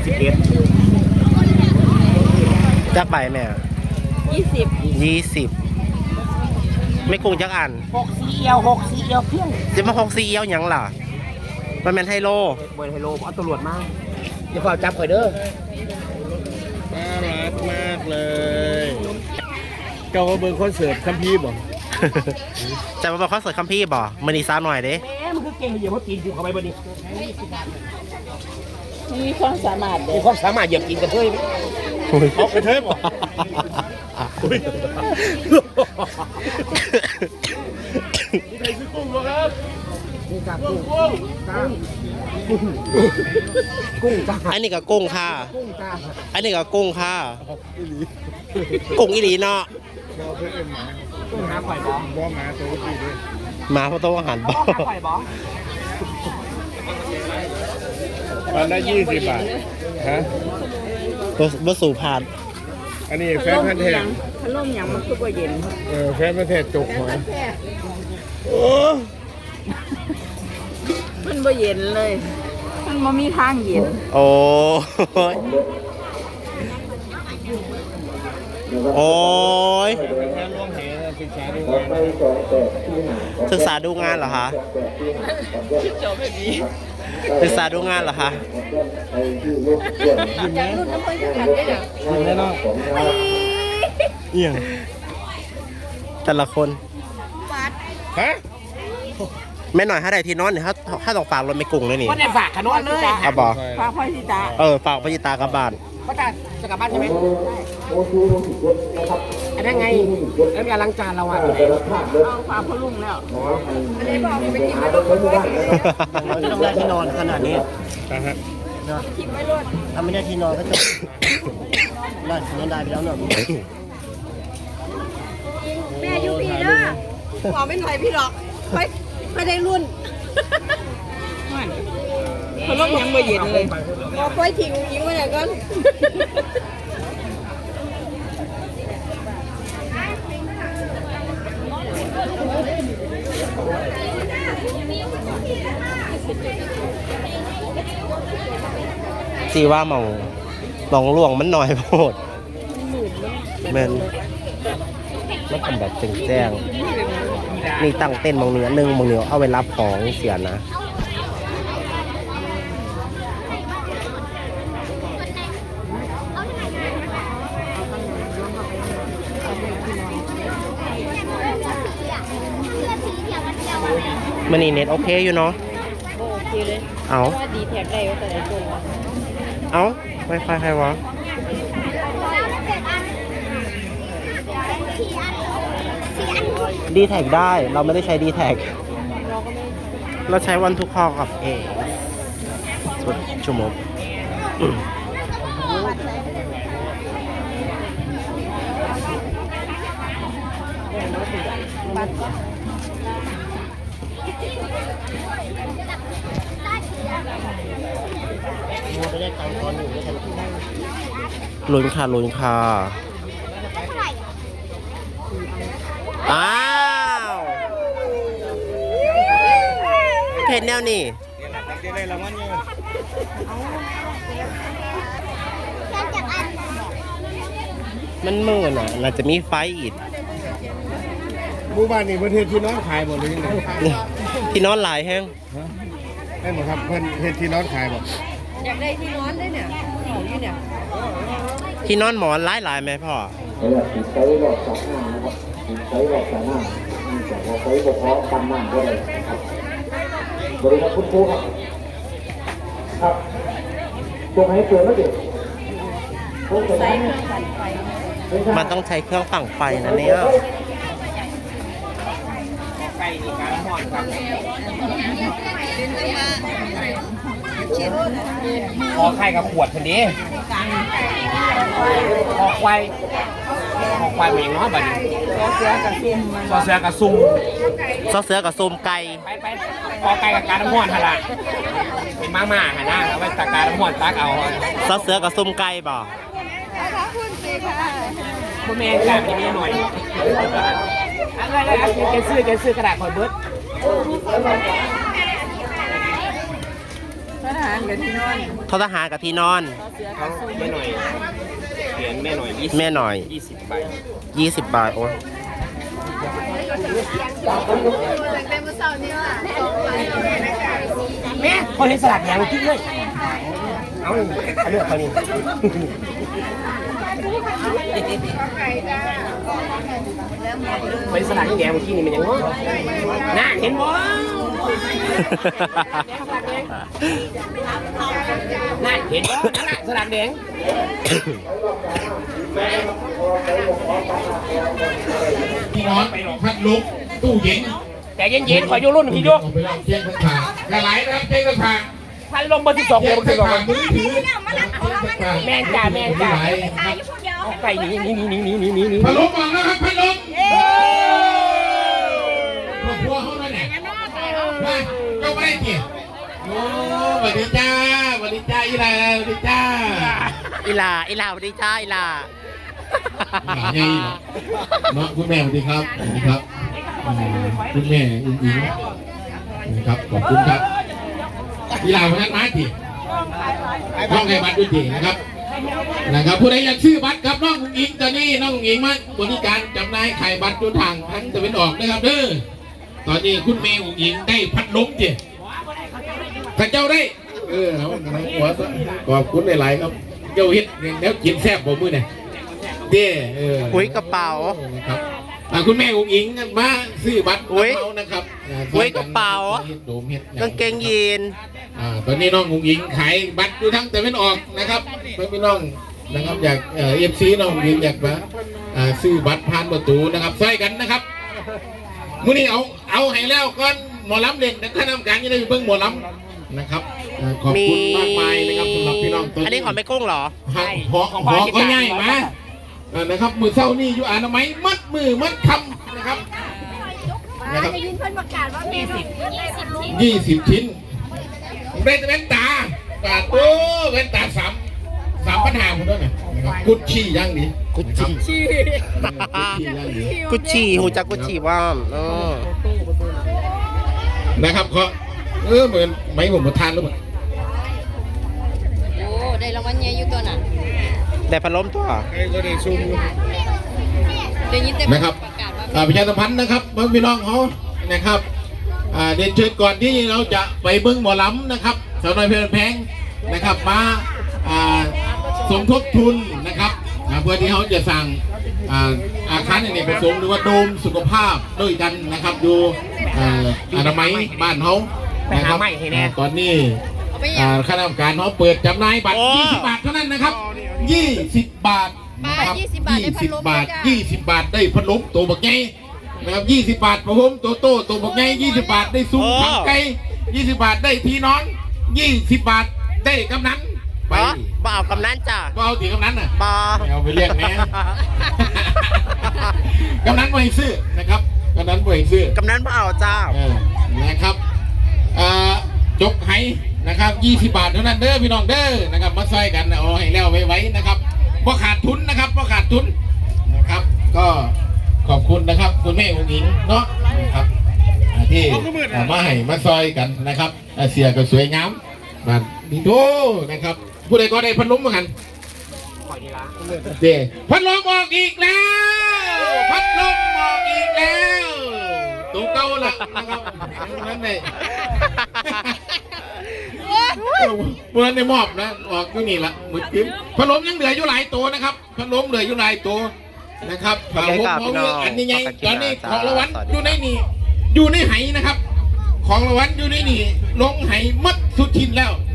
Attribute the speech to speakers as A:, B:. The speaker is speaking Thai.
A: 11จักใบแม่20ไม่กุ้งจักอัน
B: 6 4 เอียวเพี้ยง
A: จะมา6 4เอียวหยังล่ะมันเป็นไฮโล
B: บนไฮโลเอาตำรวจมาอย่าฝ่าจับข่อยเด้อ
A: น่ารักมากเลย
B: เจ้าก็เบิ่งคอนเสิร์ตคัมภีร์บ่
A: จะมาบอกคอนเสิร์ตคัมพี่บ่มันอีซ่าหน่อยเด้
B: แม่มันคือเก่งเหยียบเขาตีนอยู่เข้าไปบ่นี่
C: มีความสามารถ
B: มีความสามารถเหยียบกินกระเทยเอากระเทยบ่นี่ใครซื้อกุ้งบ่ครับนี่ครับกุ้งจ้า
A: อันนี้ก็กุ้งค่ะ
B: กุ้งจ้า
A: อันนี้ก็กุ้งค่ะกุ้งอีหลีเนาะ
B: กุ้งหาข่อยบ่หมาตัวนี้ด้วย
A: หมาเพราะโต๊ะอาหารบ่
B: ข่อยบ่
D: ตอนละ20 บาทฮะ
A: บ่สู่ผ่าน
D: อันนี้แฟนพันธุ์แท้
C: พัดลมอย่างมันคือบ่เย็น
D: แฟนพันธุ์แท้จกหัวโอ้
C: มันบ่เย็นเลยมันบ่มีทางเย็น
A: โอ้โอ้ยศึกษาดูงานเหรอคะศึกษาดูงานเหรอคะ
C: จากรุ่นน้ำเพิ่นขัดได้น่ะ
B: ยิงแน่นอน
A: เอียงแต่ละคน
D: ฮะ
A: แม่หน่อยถ้าได้ที่นอนเนี่ยถ้าต้องฝากรถไม่กุ้งเลยนี่
B: ก็ได้ฝากขนอนเลย
A: เอาบ่
C: ฝากพ่อสิตา
A: ฝากพ่อสิตากลับบ้าน
B: พ่อตาจะกลับบ้านใช่ไหมอันนั้นไงแล้วมีล้างจานเราอ่ะ
C: เอาฝากพ่อลุงแล้วอันนี้บอกไปกินไม่ต้อง
A: ได้ที่นอนขนาดนี้
C: กินไม่รอด
A: ถ้าไม่ได้ที่นอนก็จะได้นอนได้ไปแล้วเนอะ
C: แม่อยู่ปีเด้อขอไม่หน่อยพี่หรอกไม่ได้รุ่นเขาลบยังไม่เย็นเลยเอาค่อยทิ้งยิงไว้ไหนก่อน
A: สิว่ามองหลวงมันหน่อยโพดมันทำแบบแจ้งนี่ตั้งเต้นมองเนื้อนึงมองเนื้อเอาไว้รับของเสียนะมันนี่เน็ตโอเคอยู่เนาะ
C: โอเคเลย
A: เอา
C: ดีแท็กได้ว่าแต่ไหนตัว
A: เอาไวไฟใครวะดีแท็กได้เราไม่ได้ใช้ดีแท็กเราใช้วันทุกข้อกับสุดชั่วโมงลุ้นค่ะอ้าวเพจแนวนี่มันมืดอ่ะเราจะมีไฟอีก
D: หมู่บ้านนี้ประเทศที่นอนขายหมดเลยยังไง
A: ที่นอนหลายแห้ง
D: ได้หมดครับเพื่อนเห็นที่นอนขายหมด
C: อยากได้ที่นอนได้เนี่ยนี่เนี่ย
A: ที่นอนหมอนหลายไหมพ่อ
E: ใช้หลอดสามหน้านะครับใช้หลอดสามหน้าแต่เราใช้เฉพาะกันหน้าก็ได้ครับบริการคุณครูครับครับตัวไหนตัวแล้วเด็ก
A: มันต้องใช้เครื่องฝังไฟนะเนี่ย
B: ไก่ในการห่อนครับขอไข่กับขวดคนนี้ขอควายเหมือนน้อยแบบนี้ซอเสือกับซุ่ม
A: ซอเสือกับซุ่มไก่
B: ไปขอไก่กับการน้ำห่อนขนาดเป็นมากๆนะเอาไปตะการน้ำห่อนตักเอา
A: ซอเสือกับซุ่มไก่บ่
B: คุณแม่กลับไปนี่หน่อยอะไรแกซื้อกระดาษคอยเบิร์ด
C: ทหารกับที่นอน
A: ทอทหารกับที่นอน
B: เขาแม่หน่อยเหรียญแม่หน่อย
A: แม่หน่อย
B: 20 ใบ
A: 20 บาทโอ้ย
B: แม่เขาเห็นสลัดแดงกินเลยเอาเลือกเขานี่เป็นสลัดแดงเมื่อกี้นี่มันยังวะน่าเห็นบ่น่าเห็นบ่นั่นแหละสลัดแดง
F: พี่น้องพัดลุกตู้เย็น
B: แต่เย็นๆขอโยรุ่นพี่โย
F: เอาไปลองเชียงข้างขากระไหลนะครับเชียงข้างขา
B: พันลมเบอร์12
F: เชียง
B: เบอร์
F: ข้างขา
B: 12
F: มือถือ
B: แม่จ่าแม่จ่า
F: ไหล
B: ไก่นี่
F: พัดลมออกแล้วครับพัดลมครอบครัวเขาแล้วเนี่ยมาเจ้าไม่ได้เกี่ยโอ้สวัสดีจ้าสวัสดีจ้าอีไรสวัสดีจ้า
A: อีหลาสวัสดีจ้าอีหลา
F: หลานใหญ่เนาะคุณแม่สวัสดีครับสวัสดีครับคุณแม่อิงนะครับขอบคุณครับอีหลาคนนั้นมาทีน้องให้บัตรด้วยทีนะครับผู้ใดอยากซื้อบัตรครับน้องอุ๋งอิงตอนนี้น้องอุ๋งอิงมาบริการจำหน่ายไข่บัตรจุดทางทั้งตะวันออกนะครับเด้อตอนนี้คุณแม่อุ๋งอิงได้พัดลมจีข้าเจ้าได้หัวขอบคุณหลายๆครับเจ้าเฮ็ดแล้วกินแซ่บบ่มื้อเนี่ยเด้
A: อุ้ยกระเป๋า
F: ครับคุณแม่อุ๋งอิงมาซื้อบัตร
A: อุ๊ย
F: เขานะครับ
A: อุ๊ยกระเป๋า
F: โดมเฮ็ด
A: กางเกงยีน
F: ตอนนี้น้องอุ๋งอิงขายบัตรอยู่ทั้งแต่ไม่ออกนะครับพี่น้องนะครับอยากFC น้องอุ๋งอิงอยากมาซื้อบัตรผ่านประตูนะครับใส่กันนะครับมื้อนี้เอาให้แล้วก่อนหมอลำเล่นแต่คณะกรรมการยังได้เบิ่งหมอลำนะครับขอบคุณมากมายนะครับสำหรับพี่น้องตัว
A: อันนี้ของแม่กุ้งเหรอ
F: หอก็ง่ายมานะครับมือเศร้านี่อยู่อนามัยมัดมือมัดคำนะครับ
C: ได้ยินเพิ่นประกาศว่ามี
F: 20 ชิ้นได้แว่นตาโอ้แว่นตา3ปัญหาผมด้วยนะกุชชี่ย่างดี
A: กุชชี่กุชชี่หูจักกุชชี่ว่า
F: นะครับเขาเหมือนไม่ผมมาทานหรือเปล่า
C: โอ้ได้รางวัลใหญ่อยู่ตัวน่ะ
A: แต่พัดลมตัว
D: ก็ได้ซุ่ม
C: ได้ยินแต่
F: นะครับประชาสัมพันธ์นะครับพี่น้องเขานะครับเดินเชิญก่อนที่เราจะไปเบิ้งหมอลำนะครับสาวน้อยเพลินแพงนะครับมาสมทบทุนนะครับเพื่อที่เขาจะสั่งอาคารอเนกประสงค์หรือว่าโดมสุขภาพด้วยกันนะครับอยู่อนามัยบ้านเขานะครับตอนนี้คณะกรรมการเขาเปิดจำหน่ายบัตร20 บาทเท่านั้นนะครับ20 บาทนะครับ20 บาท20 บาทได้พัดลมตัวบักใหญ่นะครับ20 บาทประหมตัวบักใหญ่20 บาทได้ซุ้มขังไก่20 บาทได้พี่น้อง20 บาทได้กำนันไป
A: บ่เอากำนันจ้ะ
F: บ่เอาตีกำนันน่ะ
A: บ่
F: เอาไปเรียกแม่กำนันบ่ให้ซื้อนะครับกำนันบ่ให้ซื้อก
A: ำนันบ่เอาจ้า
F: นะครับจกไห้นะครับ20 บาทเท่านั้นเด้อพี่น้องเด้อนะครับมาใส่กันเอาให้แล้วไว้นะครับเพราะขาดทุนนะครับเพราะขาดทุนนะครับก็ขอบคุณนะครับคุณแม่อุ๋งอิงเนาะนะครับที่มาให้มาซอยกันนะครับเสียก็สวยงามมาดีโตนะครับผู้ใดก็ได้พัดลมเหมือนกันเด้พัดลมออกอีกแล้วพัดลมออกอีกแล้วตัวเก่าละนะครับนั่นเลยเมื่อในมอบนะออกอยู่นี่ละมืดกิ้มพัดลมยังเหลืออยู่หลายตัวนะครับพัดลมเหลืออยู่หลายตัวนะครับผมอันนี้ไงตอนนี้ของรางวัลอยู่ในนี่อยู่ในไหนะครับของรางวัลอยู่ในนี่ลงไหมัดสุดทินแล้ว